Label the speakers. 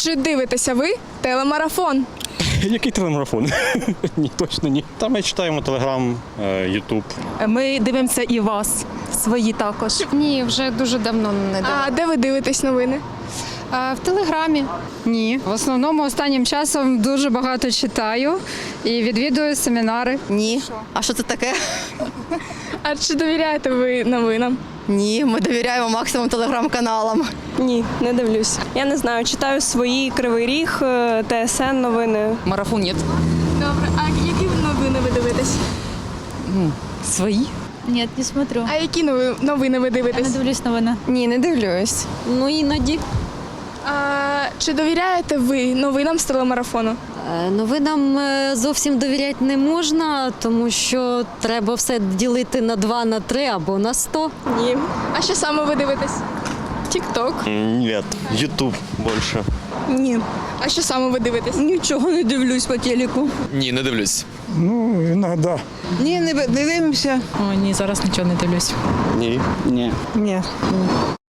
Speaker 1: Чи дивитеся ви телемарафон?
Speaker 2: Який телемарафон? Ні, точно ні. Та ми читаємо Телеграм, Ютуб.
Speaker 3: Ми дивимося і вас, свої також.
Speaker 4: Ні, вже дуже давно не дивилася.
Speaker 1: А де ви дивитесь новини?
Speaker 4: В Телеграмі.
Speaker 5: Ні. В основному останнім часом дуже багато читаю і відвідую семінари.
Speaker 6: Ні. А що це таке?
Speaker 1: А чи довіряєте ви новинам?
Speaker 6: Ні, ми довіряємо максимум телеграм-каналам.
Speaker 7: Ні, не дивлюсь. Я не знаю, читаю свої Кривий Ріг, ТСН новини.
Speaker 8: Марафон нет.
Speaker 1: Добре, а які новини ви дивитесь?
Speaker 8: Свои?
Speaker 9: Ні, не смотрю.
Speaker 1: А які новини ви
Speaker 9: Не
Speaker 1: дивитесь?
Speaker 9: дивлюсь новини.
Speaker 4: Ні, не дивлюсь.
Speaker 8: Ну, іноді.
Speaker 1: А чи довіряєте ви новинам з телемарафону?
Speaker 10: Новинам зовсім довіряти не можна, тому що треба все ділити на 2, на 3 або на 100.
Speaker 1: Ні. А що саме ви дивитесь?
Speaker 7: Тік-ток.
Speaker 2: Ні, Ютуб більше.
Speaker 1: Ні. А що саме ви дивитесь?
Speaker 8: Нічого не дивлюсь по телеку.
Speaker 11: Ні, не дивлюсь.
Speaker 12: Ну, іноді.
Speaker 3: Ні, не дивимося.
Speaker 8: О, ні, зараз нічого не дивлюсь.
Speaker 2: Ні.
Speaker 3: Ні.